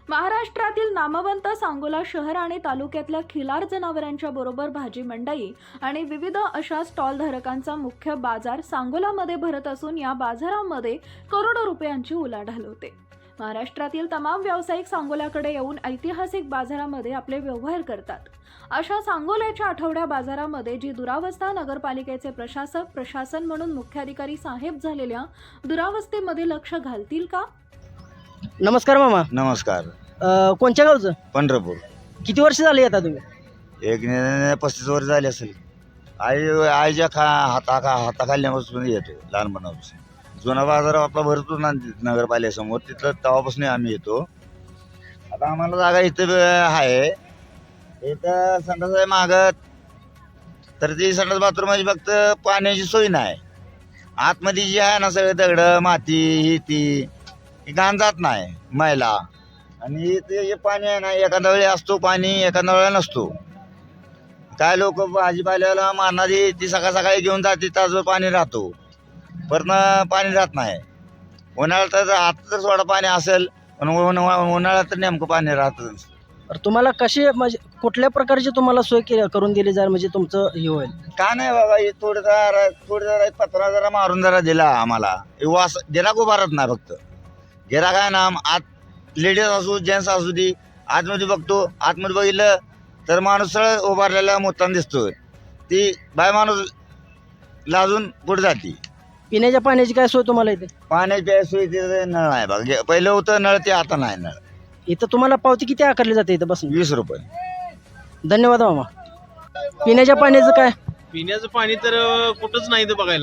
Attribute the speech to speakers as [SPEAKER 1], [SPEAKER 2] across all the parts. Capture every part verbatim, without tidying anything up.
[SPEAKER 1] महाराष्ट्रातील नामवंत सांगोला शहर आणि तालुक्यातल्या खिलार जनावरांच्या बरोबर भाजी मंडई आणि विविध अशा स्टॉल धारकांचा मुख्य बाजार सांगोलामध्ये भरत असून या बाजारामध्ये करोडो रुपयांची उलाढाल होते। महाराष्ट्रातील तमाम व्यावसायिक सांगोल्याकडे येऊन ऐतिहासिक बाजारामध्ये आपले व्यवहार करतात। अशा सांगोल्याच्या आठवड्या बाजारामध्ये जी दुरावस्था नगरपालिकेचे प्रशासक प्रशासन म्हणून मुख्याधिकारी साहेब झालेल्या दुरावस्थेमध्ये लक्ष घालतील का?
[SPEAKER 2] नमस्कार मामा।
[SPEAKER 3] नमस्कार।
[SPEAKER 2] अ, कोणत्या गावचं?
[SPEAKER 3] पंढरपूर।
[SPEAKER 2] किती वर्ष झाली आता तुम्ही?
[SPEAKER 3] एक ने पस्तीस वर्ष झाले असेल। आई आईच्या खा हाता खा हाताखालण्यापासून येतो लहानपणापासून। जुना बाजार आपला भरतो ना नगरपालिकेसमोर, तिथलं तेव्हापासून आम्ही येतो। आता आम्हाला जागा इथं आहे, इथं संडास आहे मागत, तर ती संडास बाथरूम म्हणजे फक्त पाण्याची सोय नाही। आतमध्ये जी आहे ना सगळे दगड माती ही ती घाण जात नाही मैला, आणि ते जे पाणी आहे ना एखाद्या वेळी असतो पाणी एखाद्या वेळेला नसतो। काय लोक भाजीपाल्याला मारणारी ती सकाळ सकाळी घेऊन जाते, ताजं पाणी राहतो, परत पाणी राहत नाही। उन्हाळ्यात तर आता तर थोडं पाणी असेल, पण उन्हाळ्यात तर नेमकं पाणी राहतच।
[SPEAKER 2] तर तुम्हाला कशी म्हणजे कुठल्या प्रकारची तुम्हाला सोय केली करून दिली जाईल म्हणजे तुमचं हे होईल?
[SPEAKER 3] का नाही बाबा, हे थोडं जरा थोडं जरा एक पत्रा जरा मारून जरा दिला आम्हाला, हे वास गिराक उभारत नाही। फक्त गिराक आहे ना, आत लेडीज असू जेंट्स असू दे, आतमध्ये बघतो, आतमध्ये बघितलं तर माणूस सगळं उभारलेला मोतान दिसतोय, ती बाय माणूस लाजून पुढे जाते।
[SPEAKER 2] पिण्याच्या पाण्याची काय सोय तुम्हाला इथे?
[SPEAKER 3] पाण्याची सोय तिथे नळ आहे बघा, पहिलं होतं नळ, ते आता नाही नळ।
[SPEAKER 2] इथं तुम्हाला पावती किती आकारली जाते इथं बसून?
[SPEAKER 3] वीस रुपये।
[SPEAKER 2] धन्यवाद मामा। पिण्याच्या पाण्याचं काय?
[SPEAKER 4] पिण्याचं पाणी तर कुठंच नाही तर बघायला,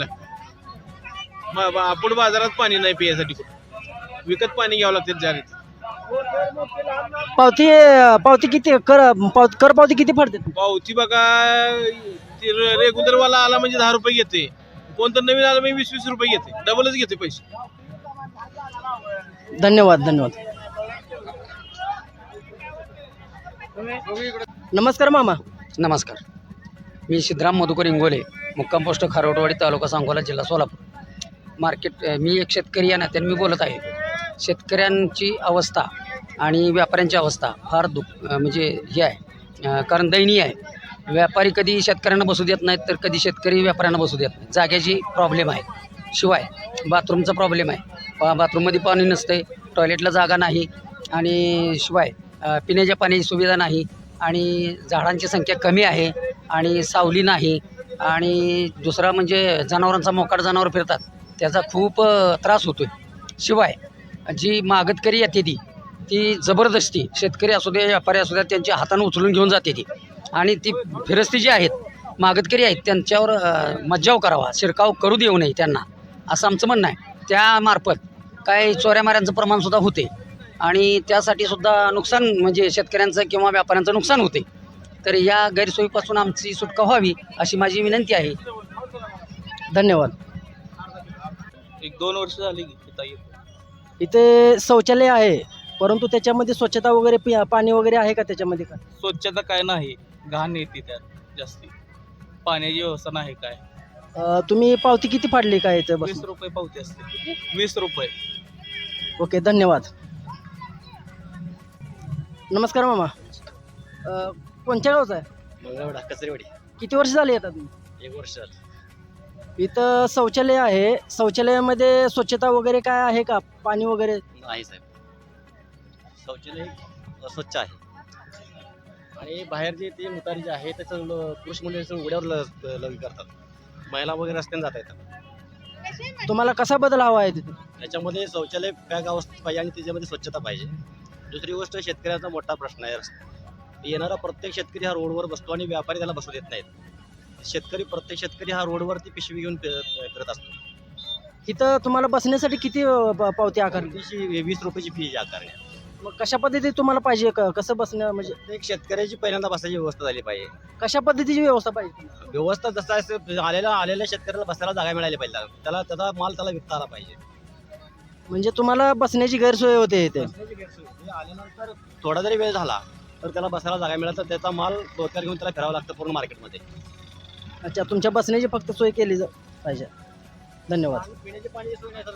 [SPEAKER 4] आपण बाजारात पाणी नाही पिण्यासाठी, कुठं विकत पाणी घ्यावं लागतं जागेत।
[SPEAKER 2] पावती पावती किती कर पावती कर पावती किती पडते?
[SPEAKER 4] पावती बघा, रेग्युलर वाला आला म्हणजे दहा रुपये घेते, कोणतं नवीन आला म्हणजे वीस वीस रुपये घेते, डबलच घेते पैसे।
[SPEAKER 2] धन्यवाद धन्यवाद। नमस्कार मामा।
[SPEAKER 5] नमस्कार, मी सिद्धराम मधुकर इंगोले, मुक्काम पोस्ट खारोटवाडी, तालुका सांगोला, जिल्हा सोलापूर। मार्केट मी एक शेतकरी या नात्याने मी बोलत आहे। शेतकऱ्यांची अवस्था आणि व्यापाऱ्यांची अवस्था फार दुःख म्हणजे हे आहे, कारण दयनीय आहे। व्यापारी कधी शेतकऱ्यांना बसू देत नाहीत, तर कधी शेतकरी व्यापाऱ्यांना बसू देत नाही। जाग्याची प्रॉब्लेम आहे, शिवाय बाथरूमचा प्रॉब्लेम आहे, पा बाथरूममध्ये पाणी नसते, टॉयलेटला जागा नाही, आणि शिवाय पिण्याच्या पाण्याची सुविधा नाही, आणि झाडांची संख्या कमी आहे, आणि सावली नाही, आणि दुसरा म्हणजे जनावरांचा मोकाट जनावर फिरतात, त्याचा खूप त्रास होतो आहे। शिवाय जी मागतकरी येते ती ती जबरदस्ती शेतकरी असू दे व्यापारी असू द्या त्यांच्या हातानं उचलून घेऊन जाते ती, आणि ती फिरस्ती जी आहेत मागतकरी आहेत त्यांच्यावर मज्जाव करावा, शिरकाव करू देऊ नये त्यांना, असं आमचं म्हणणं आहे। त्यामार्फत काय चोऱ्यामाऱ्यांचं प्रमाणसुद्धा होते, आणि त्यासाठी सुद्धा नुकसान म्हणजे शेतकऱ्यांचं किंवा व्यापाऱ्यांचं नुकसान होते। तर या गैरसोयीपासून आमची सुटका व्हावी अशी माझी विनंती आहे।
[SPEAKER 2] धन्यवाद।
[SPEAKER 4] एक दोन वर्ष झाली
[SPEAKER 2] इथे शौचालय आहे, परंतु त्याच्यामध्ये स्वच्छता वगैरे पि पाणी वगैरे आहे का त्याच्यामध्ये? का
[SPEAKER 4] स्वच्छता काय नाही, घाण येते त्यात जास्ती, पाण्याची व्यवस्था नाही काय।
[SPEAKER 2] अ, तुम्ही पावती किती फाडली काय इथं
[SPEAKER 4] वीस
[SPEAKER 2] बस?
[SPEAKER 4] रुपये पावती असते, वीस रुपये।
[SPEAKER 2] ओके, धन्यवाद। नमस्कार मामा। अ, कोणत्या गावचा आहे?
[SPEAKER 5] कचरेवाडी।
[SPEAKER 2] किती वर्ष झाली आता तुम्ही?
[SPEAKER 5] एक वर्ष
[SPEAKER 2] इथं शौचालय आहे, शौचालयामध्ये स्वच्छता वगैरे काय आहे का? पाणी वगैरे
[SPEAKER 5] नाही साहेब, शौचालय अस्वच्छ आहे, आणि बाहेर जे ते मुतारी जे आहे त्याचं पुरुष मंडळीचं उघड्यावर लग्न करतात, महिला वगैरे रस्त्याने जात येतात।
[SPEAKER 2] तुम्हाला कसा बदल हवा आहे तिथे?
[SPEAKER 5] त्याच्यामध्ये शौचालय पॅक अवस्थेत पाहिजे, आणि त्याच्यामध्ये स्वच्छता पाहिजे। दुसरी गोष्ट शेतकऱ्याचा मोठा प्रश्न आहे, येणारा प्रत्येक शेतकरी हा रोडवर बसतो, आणि व्यापारी त्याला बसू देत नाहीत। शेतकरी प्रत्येक शेतकरी हा रोडवरती पिशवी घेऊन फिरत असतो।
[SPEAKER 2] इथं तुम्हाला बसण्यासाठी किती प- पावती आकारली?
[SPEAKER 5] वीस रुपयाची फी आकारणे।
[SPEAKER 2] मग कशा पद्धतीने तुम्हाला पाहिजे? क- कसं बसणं म्हणजे
[SPEAKER 5] एक शेतकऱ्याची पहिल्यांदा बसायची व्यवस्था झाली पाहिजे।
[SPEAKER 2] कशा पद्धतीची व्यवस्था पाहिजे?
[SPEAKER 5] व्यवस्था जसं आहे, आलेल्या आलेल्या शेतकऱ्याला बसायला जागा मिळाली पाहिजे, त्याला त्याचा माल त्याला विकता आला पाहिजे।
[SPEAKER 2] म्हणजे तुम्हाला बसण्याची गैरसोय होते इथे?
[SPEAKER 5] आल्यानंतर थोडा जरी वेळ झाला तर त्याला बसायला जागा मिळाली, तर त्याचा माल डोक्यावर घेऊन त्याला फिरावं लागतं पूर्ण मार्केटमध्ये।
[SPEAKER 2] अच्छा, तुमच्या बसण्याची फक्त सोय केली जा- पाहिजे। धन्यवाद।
[SPEAKER 5] पिण्याचे पाणी